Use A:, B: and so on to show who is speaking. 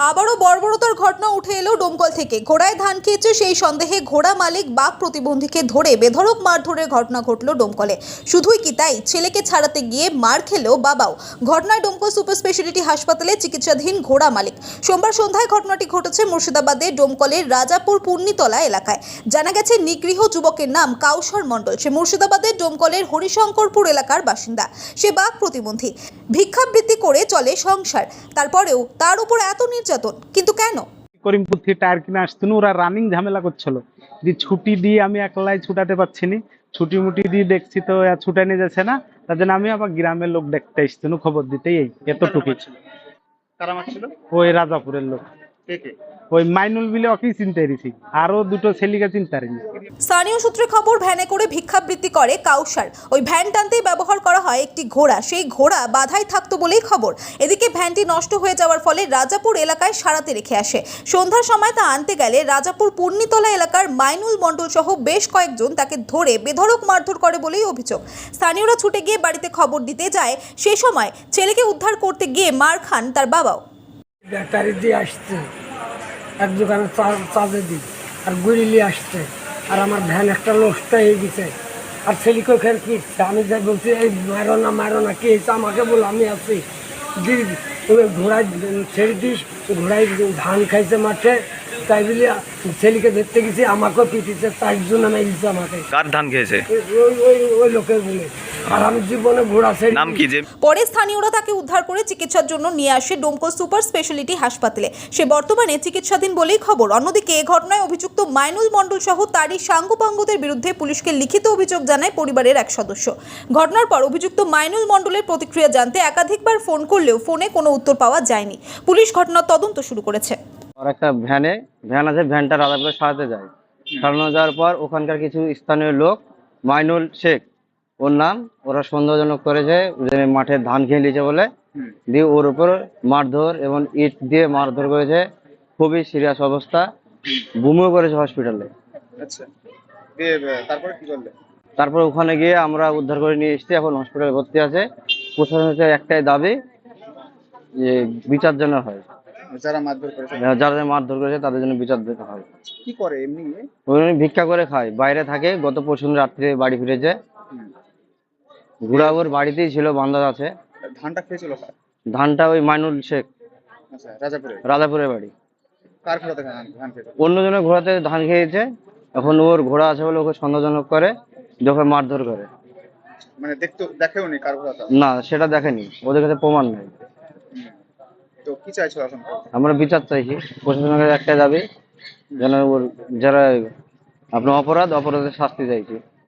A: আবারও বর্বরতার ঘটনা উঠে এলো ডোমকল থেকে। ঘোড়ায় ধান খেয়েছে সেই সন্দেহে ঘোড়া মালিক বাঘ প্রতিবন্ধীকে ধরে বেধড়ক মারধরের ঘটনা ঘটল ডোমকলে। শুধুই কি তাই, ছেলেকে ছাড়াতে গিয়ে মার খেলো বাবাও। ঘটনায় ডোমকল সুপার স্পেশালিটি হাসপাতালে চিকিৎসাধীন ঘোড়া মালিক। সোমবার সন্ধ্যায় ঘটনাটি ঘটেছে মুর্শিদাবাদের ডোমকলের রাজাপুর পূর্ণিতলা এলাকায়। জানা গেছে নিগৃহ যুবকের নাম কাউসার মণ্ডল। সে মুর্শিদাবাদের ডোমকলের হরিশঙ্করপুর এলাকার বাসিন্দা। সে বাঘ প্রতিবন্ধী, ভিক্ষাবৃত্তি করে চলে সংসার। তারপরেও তার উপর এত নির্যাতন, কিন্তু কেন?
B: করিমপুর থেকে টায়ার কিনে আসতেন, ওরা রানিং ঝামেলা করছিল। যে ছুটি দিয়ে আমি একলাই ছুটাতে পারছি না, ছুটি মুটি দিয়ে দেখছি তো ছুটে নিয়ে যাচ্ছে না, তার জন্য আমি আবার গ্রামের লোক দেখতে এসতেন খবর দিতে। এতটুকু।
C: কারা মারছিল?
B: ওই রাজাপুরের লোক,
C: কে কে?
B: ওই মাইনুল বিলে ওকেই চিনতে পেরেছি, আরো দুটো ছেলেকে চিনতে পারিনি।
A: স্থানীয় সূত্রে খবর, ভ্যানে করে ভিক্ষাবৃত্তি করে কাউসার। ওই ভ্যান টানতেই ব্যবহার করা হয় একটি ঘোড়া। সেই ঘোড়া বাধাই থাকতো বলেই খবর। এদিকে ভ্যানটি নষ্ট হয়ে যাওয়ার ফলে রাজাপুর এলাকায় সারাতে রেখে আসে। সন্ধ্যার সময় তা আনতে গেলে রাজাপুর পূর্ণিতলা এলাকার মাইনুল মণ্ডল সহ বেশ কয়েকজন তাকে ধরে বেধড়ক মারধর করে বলেই অভিযোগ। স্থানীয়রা ছুটে গিয়ে বাড়িতে খবর দিতে যায়। সেই সময় ছেলেকে উদ্ধার করতে গিয়ে মার খান তার বাবাও।
D: ব্যাটারি দিয়ে আসছে, এক দোকানে চাঁদে দিই আর গুড়িলি আসছে, আর আমার ভ্যান একটা নষ্ট হয়ে গেছে। আর ছেলেকে ওখানে কি আমি যাই বলছি, এই মারো না কি হয়েছে আমাকে বলো, আমি আছি দিদি। তুমি ঘোড়ায় ছেড়ে দিস, ঘোড়ায় ধান খাইছে মাঠে, তাই বলে ছেলেকে দেখতে গেছি, আমাকেও পিটিছে, 4 জন মেরেছে আমাকে।
E: কার ধান খেয়েছে?
D: ওই লোকের বলে। আর আমি জীবনে ঘোড়া ছেড়ে
E: নাম কি? যে
A: পরে স্থানীয়রা তাকে উদ্ধার করে চিকিৎসার জন্য নিয়ে আসে ডোমকল সুপার স্পেশালিটি হাসপাতালে। সে বর্তমানে চিকিৎসাধীন বলেই খবর। অন্যদিকে এ ঘটনায় অভিযুক্ত মাইনুল মণ্ডল সহ তারই সাঙ্গপাঙ্গদের বিরুদ্ধে পুলিশকে লিখিত অভিযোগ জানায় পরিবারের এক সদস্য। ঘটনার পর অভিযুক্ত মাইনুল মণ্ডলের প্রতিক্রিয়া জানতে একাধিকবার ফোন করলেও ফোনে কোনো উত্তর পাওয়া যায়নি। পুলিশ ঘটনার তদন্ত শুরু করেছে।
F: আর একটা ভ্যান আছে, ভ্যানটা রাজাপুরে সারাতে যায়। সারানো যাওয়ার পর ওখানকার কিছু স্থানীয় লোক, মাইনুল শেখ ওর নাম, ওরা সন্দেহজনক করেছে যে মাঠে ধান খেয়ে নিয়েছে বলে, দিয়ে ওর উপর মারধর এবং ইট দিয়ে মারধর করেছে। খুবই সিরিয়াস অবস্থা, বুমিও করেছে হসপিটালে।
C: আচ্ছা, দিয়ে তারপরে কি করলে?
F: তারপর ওখানে গিয়ে আমরা উদ্ধার করে নিয়ে এসেছি, এখন হসপিটালে ভর্তি আছে। প্রশাসনের একটাই দাবি যে বিচার যেন হয়,
C: যারা মারধর করেছে।
F: যারা মারধর করেছে তাদের জন্য বিচার দিতে হয়।
C: কি করে এমনি?
F: উনি ভিক্ষা করে খায়, বাইরে থাকে। গত পরশুদিন রাত্রে বাড়ি ফিরেছে। ঘোড়া ওর বাড়িতেই ছিল, বান্ধা আছে।
C: ধানটা খেয়েছিল কার?
F: ধানটা ওই মাইনুল শেখ,
C: আচ্ছা, রাজাপুরে।
F: রাজাপুরের বাড়ি।
C: কার ঘোড়াতে ধান খেয়েছে?
F: অন্যজনের ঘোড়াতে ধান খেয়েছে। এখন ওর ঘোড়া আছে বলে ওকে সন্দেহজনক করে, যখন মারধর করে।
C: মানে দেখেওনি কার ঘোড়াটা?
F: না, সেটা দেখেনি, ওদের কাছে প্রমাণ নেই।
C: তো কি চাইছো এখন?
F: আমরা বিচার চাইছি। প্রশাসনের একটা দাবি যেন ওর যারা আপনার অপরাধের শাস্তি চাইছি।